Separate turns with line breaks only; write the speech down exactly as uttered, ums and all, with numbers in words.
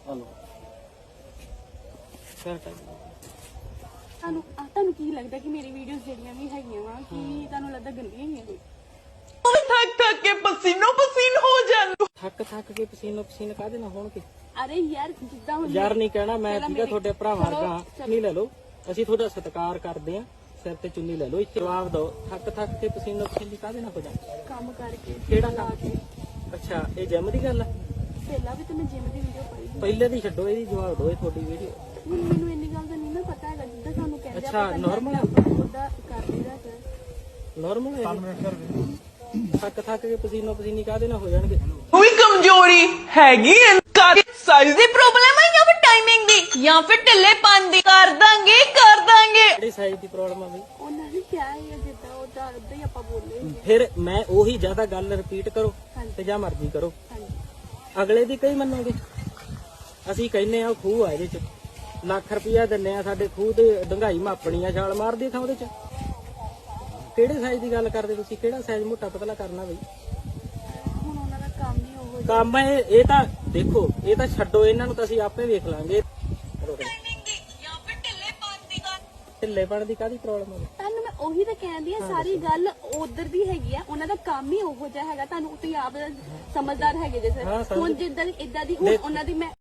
Hello
ਤੁਹਾਨੂੰ ਤੁਹਾਨੂੰ ਕੀ ਲੱਗਦਾ ਕਿ ਮੇਰੀ ਵੀਡੀਓਜ਼ ਜਿਹੜੀਆਂ ਵੀ ਹੈਗੀਆਂ ਵਾ ਕਿ ਤੁਹਾਨੂੰ ਲੱਗਦਾ ਗੰਦੀਆਂ ਹੀ ਆ?
ਥੱਕ ਥੱਕ ਕੇ ਪਸੀਨੋ ਪਸੀਨ ਹੋ ਜਾਂਦੇ।
ਥੱਕ ਥੱਕ ਕੇ ਪਸੀਨੋ ਪਸੀਨ ਕਾਹਦੇ ਨਾਲ ਹੋਣਗੇ?
ਅਰੇ ਯਾਰ ਜਿੱਦਾਂ ਹੁਣ
ਯਾਰ ਨਹੀਂ ਕਹਿਣਾ ਮੈਂ, ਠੀਕ ਹੈ ਤੁਹਾਡੇ ਭਰਾ ਵਰਗਾ। ਚੁੰਨੀ ਲੈ ਲਓ, ਅਸੀਂ ਤੁਹਾਡਾ ਸਤਿਕਾਰ ਕਰਦੇ ਆ, ਸਿਰ ਤੇ ਚੁੰਨੀ ਲੈ ਲਓ। ਇੱਥੇ ਜਵਾਬ ਦਿਓ, ਥੱਕ ਥੱਕ ਕੇ ਪਸੀਨੋ ਪਸੀਨ ਕਾਹਦੇ ਨਾਲ ਹੋ ਜਾਂਦੇ?
ਕੰਮ ਕਰਕੇ
ਕਿਹੜਾ ਕੰਮ? ਅੱਛਾ, ਇਹ ਜਿਮ ਦੀ ਗੱਲ ਆ?
ਪਹਿਲਾਂ ਵੀ ਤੇ ਮੈਂ ਜਿਮ ਦੀ ਵੀਡੀਓ ਪਾਈ ਸੀ।
ਪਹਿਲੇ ਦੀ ਛੱਡੋ, ਇਹਦੀ ਜਵਾਬ ਦਿਓ। ਇਹ ਤੁਹਾਡੀ ਵੀਡੀਓ
ਹੁਣ ਮੈਨੂੰ ਇੰਨੀ ਗੱਲ ਦਾ ਨਹੀਂ ਨਾ ਪਤਾ ਹੈਗਾ, ਜਿੱਦਾਂ ਸਾਨੂੰ ਕਹਿੰਦੇ
ਅੱਛਾ, normal ਆ?
ਉਹਦਾ ਕਰ ਲਈਦਾ ਸਰ।
ਨਾਰਮਲ ਹੈ? ਥੱਕ ਥੱਕ ਕੇ ਪਸੀਨੋ ਪਸੀਨੀ ਕਾਹਦੇ ਨਾਲ ਹੋ ਜਾਣਗੇ?
ਕੋਈ ਕਮਜ਼ੋਰੀ ਹੈਗੀ ਐ? ਸਾਈਜ਼ ਦੀ ਪ੍ਰੋਬਲਮ ਹੈ ਜਾਂ ਫਿਰ ਟਾਈਮਿੰਗ ਦੀ ਜਾਂ ਫਿਰ ਢਿੱਲੇਪਨ ਦੀ? ਕਰ ਦਾਂਗੇ ਕਰ ਦਾਂਗੇ।
ਕਿਹੜੀ ਸਾਈਜ਼ ਦੀ ਪ੍ਰੋਬਲਮ ਆ ਬਈ?
ਉਹਨਾਂ ਨੇ ਕਿਹਾ ਹੈ ਜਿੱਦਾਂ ਉਹਦਾ ਉਦਾਂ ਹੀ ਆਪਾਂ ਬੋਲੇ।
ਫਿਰ ਮੈਂ ਉਹੀ ਜ਼ਿਆਦਾ ਗੱਲ ਰਿਪੀਟ ਕਰੋ ਤੇ ਜਾਂ ਮਰਜ਼ੀ ਕਰੋ, ਅਗਲੇ ਦੀ ਕਈ ਮੰਨੋਗੇ? ਅਸੀਂ ਕਹਿੰਨੇ ਆ ਖੂਹ ਆ, ਇਹਦੇ ਚ ਲੱਖ ਰੁਪਇਆ ਦਿੰਨੇ ਆ, ਸਾਡੇ ਖੂਹ ਤੇ ਡੰਗਾਈ ਮਾਪਣੀ ਆ, ਛਾਲ ਮਾਰਦੀ ਥਾਂ ਉਹਦੇ ਚ। ਕਿਹੜੇ ਸਾਈਜ਼ ਦੀ ਗੱਲ ਕਰਦੇ ਤੁਸੀਂ? ਕਿਹੜਾ ਸਾਈਜ਼ ਮੋਟਾ ਪਤਲਾ ਕਰਨਾ ਬਈ?
ਹੁਣ ਉਹਨਾਂ ਦਾ ਕੰਮ ਹੀ ਉਹ
ਕੰਮ ਇਹ ਇਹ ਤਾਂ ਦੇਖੋ, ਇਹ ਤਾਂ ਛੱਡੋ, ਇਹਨਾਂ ਨੂੰ ਤਾਂ ਅਸੀਂ ਆਪੇ ਵੇਖ ਲਾਂਗੇ। ਢਿੱਲੇਪਣ ਦੀ ਕਾਹਦੀ ਪ੍ਰੋਬਲਮ ਹੈ?
ਤੁਹਾਨੂੰ ਮੈਂ ਉਹੀ ਤਾਂ ਕਹਿੰਦੀ ਆ, ਸਾਰੀ ਗੱਲ ਉਧਰ ਦੀ ਹੈਗੀ ਆ, ਉਹਨਾਂ ਦਾ ਕੰਮ ਹੀ ਉਹੋ ਜਿਹਾ ਹੈਗਾ। ਤੁਹਾਨੂੰ ਤੁਸੀਂ ਆਪ ਸਮਝਦਾਰ ਹੈਗੇ ਜੇ
ਹਾਂ,
ਸਰ। ਹੁਣ ਜਿੱਦਾਂ ਇਦਾਂ ਦੀ ਹੁਣ ਉਹਨਾਂ ਦੀ ਮੈਂ